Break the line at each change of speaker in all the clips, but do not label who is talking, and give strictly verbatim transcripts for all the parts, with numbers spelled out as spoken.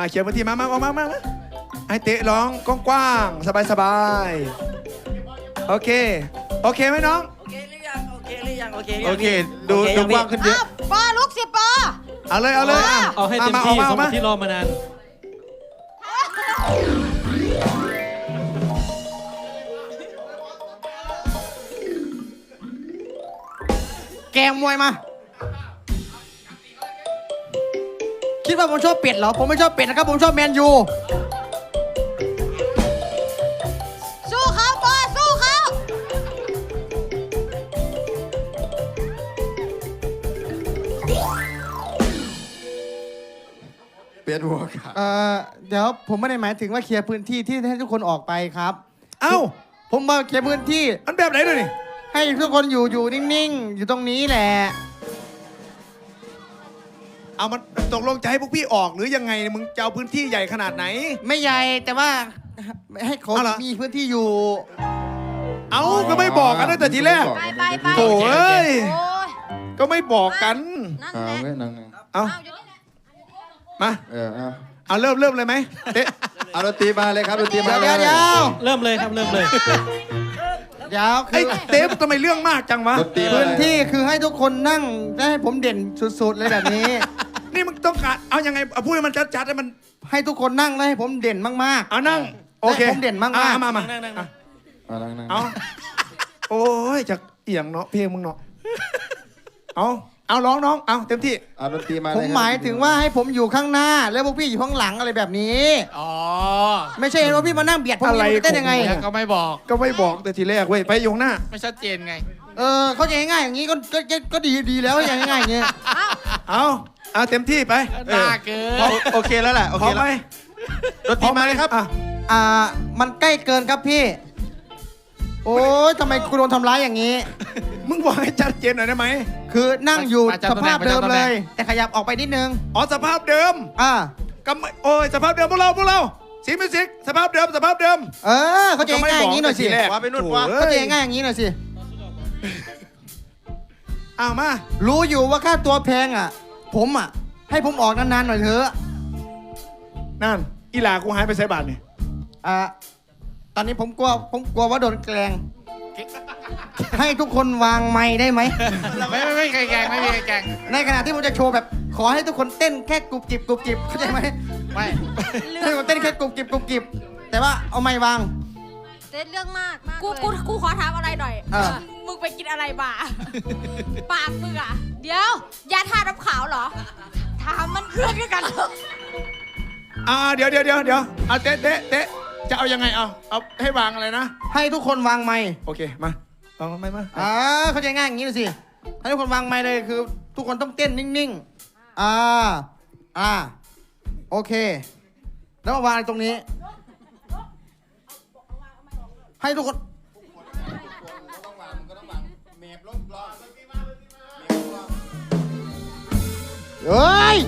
อ่าเขียนพื้นที่มามามามามาให้เตะร้องกว้างๆสบายๆโอเคโอเคไหมน้อง
โอเคหรือยังโอเคหรือยังโอเค
โอเคดูดูกว้างขึ้นเยอะ
ปอลุกสิปอ
เอาเลยเอาเลยอ่ะ
เอาให้เต็มที่สมกับที่รอมานาน
แกมมวยมาคิดว่าผมชอบเป็ดเหรอผมไม่ชอบเป็ดนะครับผมชอบแมนยูสู้เขาปอสู้เขา
เปลี่ยนหัวขา
เอ่อเดี๋ยวผมไม่ได้หมายถึงว่าเคลียร์พื้นที่ที่ให้ทุกคนออกไปครับ
เอ้า
ผมมาเคลียร์พื้นที่
มันแบบไหนด้วยนี่
ให้ทุกคนอยู่อยู่นิ่งๆอยู่ตรงนี้แหละ
เอามันตกลงจะให้พวกพี่ออกหรือยังไงมึงจะเอาพื้นที่ใหญ่ขนาดไหน
ไม่ใหญ่แต่ว่าให้เขา
เอาเหรอ
มีพื้นที่อยู่
เอ้าก็ไม่บอกกันตั้งแต่ทีแรก
ไปไปไป
โถ่เอ้ย
โอ้ย
ก็ไม่บอกกัน
นั่น
เอา
แหละ
ไว้นั่งนั่ง
เอา
อ้าวอยู่นี่แหละ
มา
เออเอา
เอาเริ่มเริ่มเลยไหมเตะ
เอาดนตรีมาเลยครับดนตรีมา
เดี๋ยว
เล
เดี๋ยวย เดี๋ยว
เริ่มเลยครับเริ่มเลย
เดี๋ยวคื
ไอ้
อ
เตะทำไมเรื่องมากจังวะ
ดนตรีมา
พื้น
เลย
ที่คือให้ทุกคนนั่งและให้ผมเด่นสุดๆเลยแบบนี้
นี่มึงต้องการเอายังไงเอาพูดให้มันชัดๆให้มัน
ให้ทุกคนนั่งและให้ผมเด่นมาก
เอานั่งโอเค
ผมเด่นมากๆ
อ่ะมามา
นั่งนั่งนั่ง
เอานั่งนั่ง
เอาโอ้ยจากเอียงเนาะเพลงมึงเนาะเอาเอาร้องน้องเอาเต็มที่
เอาดนตรีมา
ๆ
เล
ผม
ครับ
หมายถึงว่าให้ผมอยู่ข้างหน้า แล้วพวกพี่อยู่ข้างหลังอะไรแบบนี้
อ๋อ
ไม่ใช่ว่าพี่มานั่งเบียดผม
อะไร
จะเต้นยังไง
ก็ไม่บอก
ก็ไม่บอกแต่ทีแรกเว้ยไปอยู่ข้างหน้า
ไม่ชัดเจนไง
เออเขาใจง่ายๆอย่างนี้ก็ก็ก็ก็ดีดีแล้วอย่างง่ายๆอย่างนี้
เอาเอาเต็มที่ไป
น่าเกิน
โอโอเคแล้วแหละโอ
พ
เค
ร้อม
แล้
ไหม
วดนตรีมาเลยครับ
อ่ะ
อ่ามันใกล้เกินครับพี่ โอ้ยทำไมกูโดนทำร้ายอย่างนี้
มึงบอกให้ชัดเจนหน่อยได้ไหม
คือนั่งอยู่
ประจำ
ส
ตำแหน่
ภาง พเดิม
ประจำตำแห
เล
น่ง
ย แต่ขยับออกไปนิดนึง
อ๋อสภาพเดิม
อ่า
ก็ไม่โอ้ยสภาพเดิมพวกเราพวกเราสีมิวสิกสภาพเดิมสภาพเดิม
เออเขาใจง่ายๆอย่างนี้หน่อยสิ
ก็ไม่บอก
ว่าไปนู่นว่า
โถ่
เขาใจ
อ้ย
ง่ายๆอย่างนี้หน่อยสิ
เอามา
รู้อยู่ว่าค่าตัวแพงอ่ะ ผมอ่ะ ให้ผมออกนานๆหน่อยเถอะ
นั่นอีหลากูหายไปใส่บาทนี่
อ่าตอนนี้ผมกลัวผมกลัวว่าโดนแกล้งให้ทุกคนวางไม้ได้ไหม
ไม่ไม่ไม่แกงไม่มีแกง
ในขณะที่ผมจะโชว์แบบขอให้ทุกคนเต้นแค่กรุบกริบกรุบกริบเข้าใจไหม
ไม่
ให้ทุกคนเต้นแค่กรุบกริบกรุบกริบแต่ว่าเอาไม้วาง
เต้นเรื่องมากมาก
กู
เลย
กูกูขอถามอะไรหน่อย
เออ
มึงไปกินอะไรมา ปากมึงอ่ะ เดี๋ยว ยาทาน้ำขาวเหรอ ถามมันเพื่อนกันเหรอ
อ่าเดี๋ยวเดี๋ยวเดี๋ยวเดี๋ยวเอาเตะเตะเตะจะเอายังไงเอาเอาให้วางอะไรนะ
ให้ทุกคนวางไม้
โอเคมาวางไม่มา
อ่าเข้าใจง่ายอย่างนี้เลยสิให้ทุกคนวางไม้เลยคือ ทุกคนต้องเต้นนิ่งๆอ่าอ่าโอเค แล้วมาวางตรงนี้ ให้ทุกคนเฮ้ย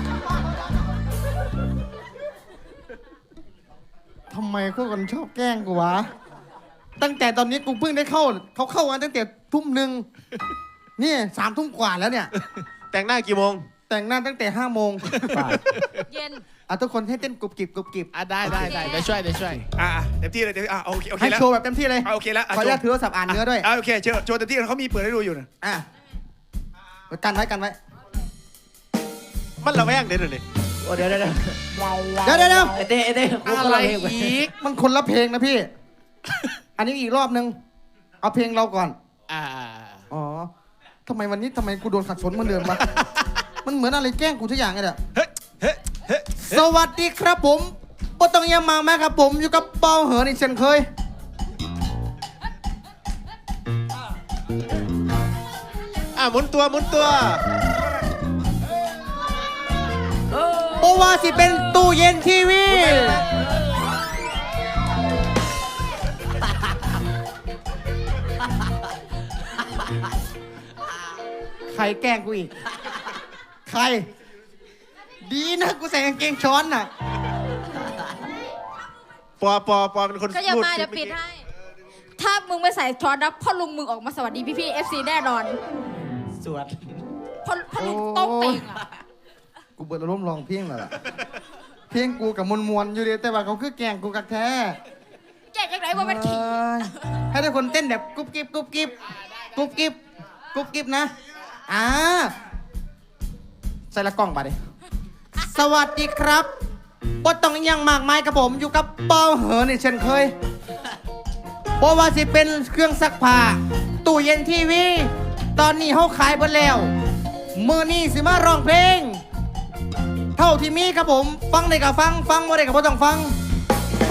ทำไมทุกคนชอบแกล้งกูวะ ตั้งแต่ตอนนี้กูเพิ่งได้เข้า เขาเข้ากันตั้งแต่ทุ่มหนึ่งนี่สามทุ่มกว่าแล้วเนี่ย
แต่งหน้ากี่โมง
แต่งหน้าตั้งแต่ห้าโมง
เย็น
อ่ะทุกคนให้เต้นกรุบกริบกรุบกริบ
อ่ะได้ได้ได้เดี๋ยวช่วยเดี๋ยวช่วย
อ่าเต็มที่เลยเต็มที่อ่าโอเคโอเค
ให้
แล้ว
โชว์แบบเต็มที่เลย
อ่ะโอเคแล้ว
ขออนุญาตถือโทรศัพท์อ่านเนื้อด้วย
อ่าโอเคเชิญโชว์เต็มที่เขามีเปิดให้ดูอยู่นะ
อ่ะกันไว้กันไว้
มันระแวงเดี๋ยวนี้
โอ้เดี๋ยวเดี๋ยวเดี๋ยว
เดี๋ยวเดี๋ยวเดี๋ยว
ไอเต้ไอเต้กูก็
อะไร
ร้องเพลงไป
อีก
มันคนละเพลงนะพี่ อันนี้อีกรอบนึง เอาเพลงเราก่อน
อ่า
อ๋อทำไมวันนี้ทำไมกูโดนขัดสนเหมือนเดิมวะ มันเหมือนอะไรแกล้งกูทุกอย่างเลยอะ
เฮ้ยเฮ้ยเฮ้ย
สวัสดีครับผมปต้องยามาแม่ครับผมอยู่กับเปาเหินอีกเช่นเคย
อ่ะหมุนตัวหมุนตัว
เพราะว่าสิเป็นตู้เย็นทีวี ใครแกล้งกูอีก ใคร ดีนะกูใส่กางเกงช้อนน่ะ
ปอปอปอเป็นคน
ก็อย่า
พูด
มาเดี๋ยวปิดให้ ถ้ามึงไม่ใส่ช้อนนะพ่อลุงมึงออกมาสวัสดีพี่พี่เอฟซีแน่นอน
สวด
พ่อพ่อลุงโต้องเต่งอ่ะ
กูเบิดอารมณ์ลองเพียงแล้วล่ะเพลงกูกับมวลมวลๆอยู่ดีแต่ว่าเขาคือแกล้งกูกักแท้
แกจังไหนว่ามันขี่
เอ้ยให้ทุกคนเต้นแบบกุ๊บกิ๊บกุ๊บกิ๊บกุ๊บกิ๊บกุ๊บกิ๊บนะอ่าใส่ละกล้องไปดิสวัสดีครับบ่ต้องอิหยังมากมายครับผมอยู่กับเป้าเหินนี่เช่นเคยเพราะว่าสิเป็นเครื่องซักผ้าตู้เย็นทีวี ตอนนี้เขาขายหมดแล้ว มือนี้สิมาร้องเพลง เท่าที่มีครับผม ฟังได้ก็ฟัง ฟังบ่ได้ก็บ่ต้องฟัง ไป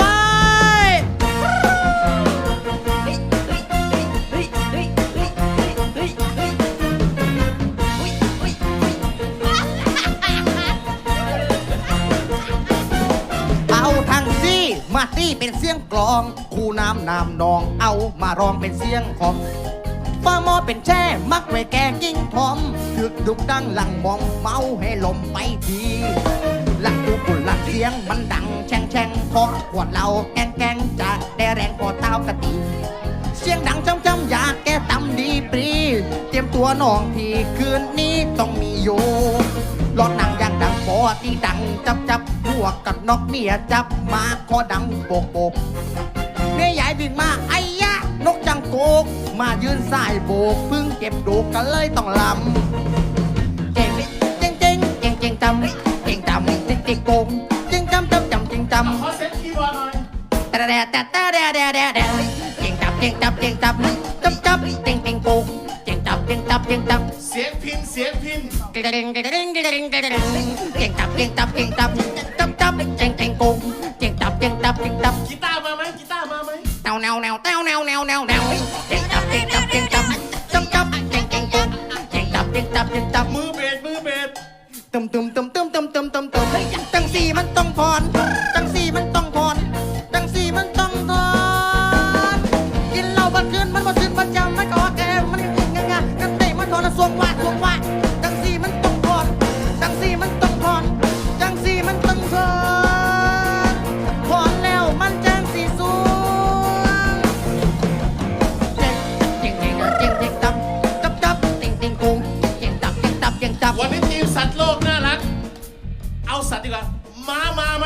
เอาทางซี่มาตี้เป็นเสียงกลอง คู่น้ำน้ำนอง เอามาร้องเป็นเสียงของฟ้าหมอเป็นแช่มักไว้แก่กิ้งทอมถึกดุกดังหลังมองเมาให้ลมไปทีหลังตูกุ่นหลังเสียงมันดังแช่งแช่งพอขวดเราแกงแกงจะได้แรงพอเต้ากะตีเสียงดังจำจำอยากแก้ตำดีปรี เตรียมตัวน้องพี่คืนนี้ต้องมีอยู่รอดหนังอย่างดังปอที่ดังจับจับหัวกับนกเมียจับมาคอดังโปกโปกเมียใหญ่วิ่งมาไอ้ยะนกจังโกกมายืนสายโบกเพิ่งเก็บดูกกันเลยต้องลำเก่งเก่งเก่งเก่งเก่งจำเก่งจำเก่งเก่งโกงเก่งจำจำจำเก่งจำขอเซ็ตคีย์บอร์ดหน่อยแต่แต่แต่แต่แต่แต่แต่แต่เก่งจับเก่งจับเก่งจับจับจับเก่งเก่งโกงเก่งจับเก่งจับเก่งจับ
เสียงพินเสียงพิน
เก่งเก่งเก่งเก่งเก่งเก่งเก่งเก่งจับเก่งจับเก่งจับจับจับเก่งเก่งโกงเก่งจับเก่งจับเก่งจับ
กีตาร์มาไหมกีตาร์มาไหม
แนวแนวแนวแนวแนวแนวแนวแนวเก่งจับเก่งจับเก่งจับจับจับเก่งเก่งโกงเก่งจับเก่งจับเก่งจับ
มือเบสมือเบส
ตึมตึมตึมตึมตึมตึมตึมตึมจังสีมันต้องพรจังสีมันต้องพรจังสีมันต้องพรกินเหล้าบันคืนมันบ่ตื่นมันจำมันก็แก่มันงางากันเตะมันทอนสวงว่าสวงว่าจังสีมันต้องพรจังสีมันต้องพรจังสีมันต้องพรพรแล้วมันจังสีสูงเจ๊งเจ๊งเจ๊งเจ๊งเจ๊งตับตับตับเจ๊งเจ๊งกุ้งเจ๊งตับเจ๊งตับเจ๊งตับ
วันนี้ทีมสัตว์โลกน่ารัก เอาสัตว์ดีกว่าม้ามาไหม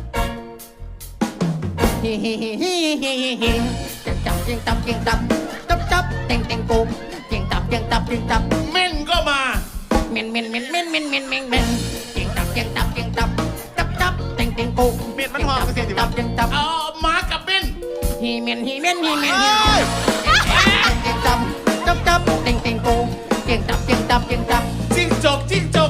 ฮิฮิฮิฮิฮิฮิฮิเจ๊งจับเจ๊งตับเจ๊งตับจับจับเจ๊งเจ๊งกุ้งเจ๊งตับเจ๊งตับเจ๊งตับ
เม่นก็มา
เมนเมนเมนเมนเมนเมนเมนเมนเจ๊งตับเจ๊งตับเจ๊งตับจับจับเจ๊งเจ๊งกุ้ง
เม่นมันหอมกันสิ
เจ๊งตับเจ๊งตับ
เอาม้ากับเม่น
ฮิเมนฮิเมนฮิเมนฮิเมนเจ๊งจับจับจับเจ๊งเจ๊งกุ้งเจ๊งตับเจ๊งตับเจ๊งตับ
จิ้งจกจิ้งจก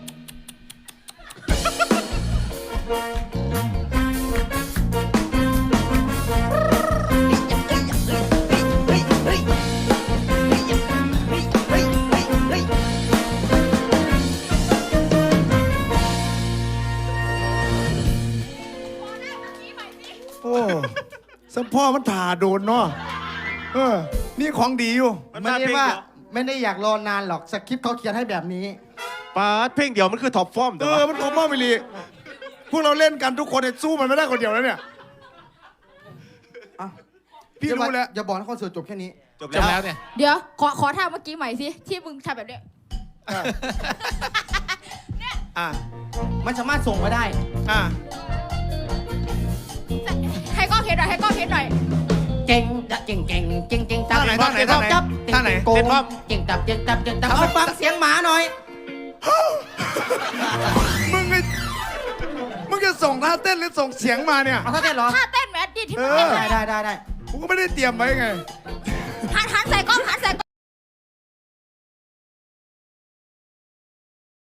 โอ้สัมพ่อมันถ่าโดนเนาะเออ นี่ของดีอยู่
มัน
ไม่
มา
ได้
เพลง
ว่า
เดียว
ไม่ได้อยากรอนานหรอกสคริปต์เขาเขียนให้แบบนี้
ปาดเพลงเดียวมันคือท็อปฟอร์มแต่
เอ
ว่า
อ มันของพ่อมิลีพวกเราเล่นกันทุกคนเนี่ยสู้มันไม่ได้คนเดียวแล้วเนี่ย
อ่ะ
พี่รู้แล้ว
อย่าบอกนะคอนเสิร์ตจบแค่นี้
จบ
จบ
แล้
แล้ว วเนี่ย
เดี๋ยวขอขอท่าเมื่อกี้ใหม่สิที่มึงทำแบบเนี้ย
อ่ะ
มันสามารถส่งมาได้
อ่ะ
ให้กล้องเห็นหน่อยให้กล้องเห็นหน่อย
เก่งจะเก่งเก่งเก่งเก่งตับ
ท่าไหนท่าไหนท่าไหน
จับ
ท่าไหน
โกงเก่งตับเก่งตับเก่งตับเอาไปฟังเสียงหมาหน่อย
มึงไงมึงจะส่งท่าเต้นหรือส่งเสียงมาเนี่ย
เอาท่าเต้นเหรอ
ท่าเต้นแมดดี้ที่มึง
เออ
เต้น
ได้
เลย
ได้ได้ได้
กูก็ไม่ได้เตรียมไว้ไง
หันหันใส่กล้องหันใส่กล้อง